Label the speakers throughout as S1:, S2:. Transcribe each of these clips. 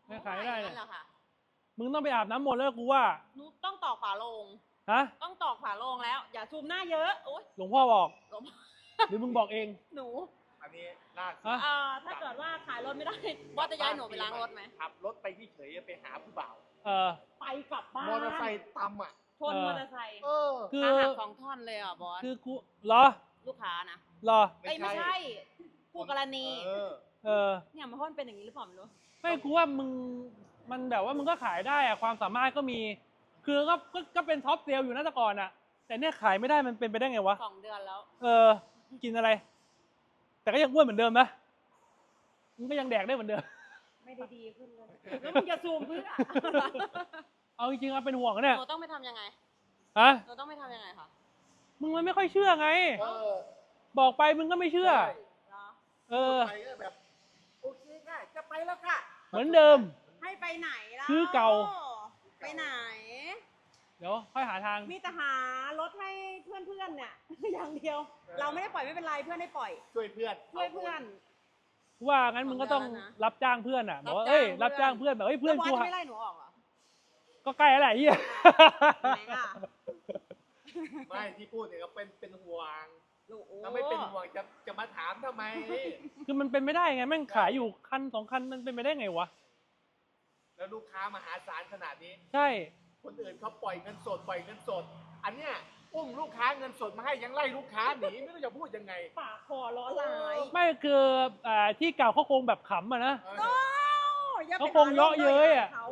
S1: ไม่ขายไม่ได้เลย
S2: นั่นแหละค่ะ
S1: มึงต้องไปอาบน้ำมนต์แล้วกูว่า
S2: หนูต้องตอกฝาโลง
S1: ฮะ
S2: ต้องตอกฝาโลงแล้ว อย่าซูมหน้าเยอะโอ๊ย
S1: หลวงพ่อบอก
S2: หลวง
S1: หรือมึงบอกเอง
S2: หนู
S3: อันนี้ล่าสุด
S1: ฮะ
S2: ถ้าเกิดว่าขายรถไม่ได้ว่าจะย้ายหนูไปล้างรถไหม
S3: ขับรถไปที่เฉยไปหาผู้บ่าว
S2: ไปกลับบ้าน
S3: มอเตอร์ไซค์ตำอ่ะ
S2: ชนมอเตอร์ไซค์
S1: คือ
S2: ขาหัก2 ท่อนเลยอ่ะบอส
S1: คือกูเหรอ
S2: ลูกค้านะ
S1: เหรอ
S2: เอ้ยไม่ใช่คู่กรณี เนี่ยมันเพราะมันเป็นอย่างนี้หรือเปล่าไม่รู้
S1: ไม่กูว่ามึงมันแบบว่ามึงก็ขายได้อะความสามารถก็มี คือก็เป็นท็อปเซลล์อยู่นะแต่ก่อนอะแต่เนี่ยขายไม่ได้มันเป็นไปได้ไงวะ
S2: 2 เดือนแล้ว
S1: กินอะไร แต่ก็ยังอ้วนเหมือนเดิมนะมึงก็ยังแดกได้เหมือนเดิม
S2: ไม่ได้ดีขึ้นเลยแล้วมึงจะซูมเพื่อ
S1: เอาจริงๆอะเป็นห่วงเนี่ย
S2: หนูต้องไปทำยังไง
S1: ฮะ
S2: หนูต้องไปทำยังไงคะ
S1: มึงมันไม่ค่อยเชื่อไง บอกไปมึงก็ไม่เชื่อ
S2: เหรอ
S3: ไปก็แบบโอเคค่ะจะไปแล้วค่ะ
S1: เหมือนเดิม
S2: ให้ไปไหนล่ะ
S1: คือเก่า
S2: ไปไหน
S1: เดี๋ยวค่อยหาทาง
S2: มีแต่หารถให้เพื่อนๆเนี่ย อย่างเดียว เราไม่ได้ปล่อยไม่เป็นไรเพื่อนได้ปล่อย
S3: ช่วยเพื่อน
S2: ช่วยเพื่อน
S1: ว่างั้นมึงก็ต้อง
S2: 2 เดือนแล้วนะ
S1: รับจ้างเพื่อนอะบอกว่า
S2: รับจ้างเพื่อน
S1: รับจ้างเพื่อนแบบเฮ้ยเพื่อน
S2: แล้วบ
S1: กู
S2: อสจะ
S1: หา
S2: ไม่ไล่หนูออกเหรอ
S1: ก็ใกล้แล้วแหละเฮีย
S2: ไหนอ่ะ
S3: ไม่ที่พูดเนี่ยก็เป็นห่วง
S2: ลูกโอ้
S3: ถ้าไม่เป็นห่วงจะมาถามทำไม
S1: คือมันเป็นไม่ได้ไงแม่งขายอยู่คัน2 คันมันเป็นไปได้ไงวะ
S3: แล้วลูกค้ามหาศาลขนาดนี้
S1: ใช่
S3: คนอื่นเขาปล่อยเงินสด อันเนี้ยอุ้มลูกค้าเงินสดมาให้ยังไล่ลูกค้าหนีไม่รู้จะพูดยังไง
S2: ปากคอล้อลาย
S1: ไม่คือที่เก่าเขาคงแบบขำอะนะ
S2: โอ้อย่ไป
S1: เขาคงเยาะเย้ยอะ
S2: เขา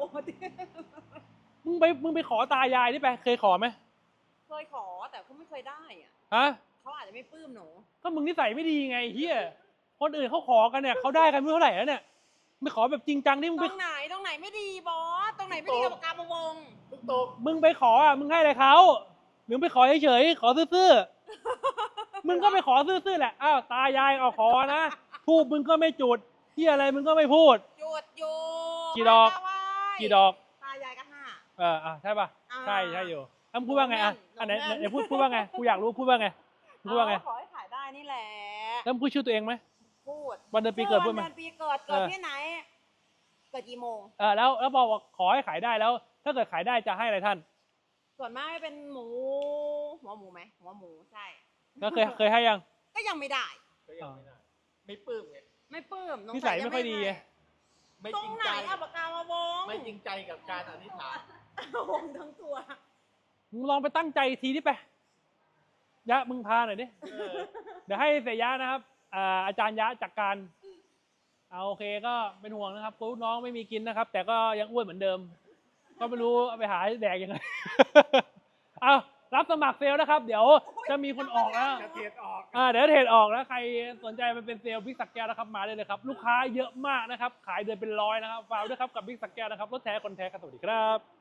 S1: มึงไปขอตายายนี่ไปเคยขอไหม
S2: เคยขอแต่เขาไม่เคยได้อ่ะ
S1: ฮะ
S2: เขาอาจจะไม่ปลื้มหนู
S1: ก็มึงนิสัยไม่ดีไงเฮียคนอื่นเขาขอกันเนี่ยเขาได้กันไม่เท่าไหร่แล้วเนี่ยไม่ขอแบบจริงจังที่มึง
S2: ต
S1: ไป
S2: รงไหนไม่ดีบอส ตรงไหนไม่ดีกับปากกามาวง
S3: ทุกตก
S1: มึงไปขออ่ะมึงให้อะไรเขาหรือไปขอเฉยๆขอซื่อๆมึงก็ไปขอซื่อๆแหละอ้าวตายายเอาขอนะทูบมึงก็ไม่จุดเฮียอะไรมึงก็ไม่พูด
S2: หยุดอยู่
S1: กี่ดอก
S2: ไหว้
S1: กี่ดอก
S2: ตายายก็5
S1: ใช่ป่ะ
S2: อ่า
S1: ใช่อยู่มึงพูดว่าไงอ่ะ
S2: ลงเงิน
S1: อันไหน
S2: ลงเงิน
S1: ไหนพูดว่าไงกูอยากรู้พูดว่าไงพูดว่าไง
S2: ขอให้ขายได้นี่แหละ
S1: แล้วมึงพูดชื่อตัวเองไหม
S2: พูด
S1: วันเดือนปีเกิดพูดไหม
S2: วันเดือนปีเกิดที่ไหน เกิดกี่โมง
S1: แล้วบอกว่าขอให้ขายได้แล้ว ถ้าเกิดขายได้จะให้อะไรท่าน
S2: ส่วนมากเป็นหัวหมูไหมหัวหมูใช่
S1: แล้วเคยให้ยัง
S2: ก็ยังไม่ได้
S3: ก็ยังไม่ได้ไม่ปลื้มไง
S2: ไม่ปลื้ม
S1: นิสัยไม่ค่อยดีไง
S3: ไม่
S2: ตร
S3: จริ
S2: ง
S3: ง
S2: ไหน
S3: ใจ
S2: เอาปากกามาวง
S3: ไม่จริงใจกับการอธิษฐาน
S2: วงทั้งตัว
S1: มึงลองไปตั้งใจทีนี่ไปยะมึงพาหน่อยดิเดี๋ยวให้เสยยะนะครับอาจารย์ยะจัดการเอาโอเคก็เป็นห่วงนะครับลูกน้องไม่มีกินนะครับ แต่ก็ยังอ้วนเหมือนเดิม ก็ไม่รู้เอาไปหาแดกยังไง เอารับสมัครเซลล์นะครับ เดี๋ยวจะมีคนออกแล้ว
S3: จะเทียดออก
S1: เดี๋ยวเทรดออกแล้วใครสนใจมาเป็นเซลล์บิ๊กสักแก้วนะครับมาได้เลยครับ ลูกค้าเยอะมากนะครับ ขายเดือนเป็น100นะครับฝากด้วยครับกับบิ๊กสักแก้วนะครับรถแท้คนแท้ครับสวัสดีครับ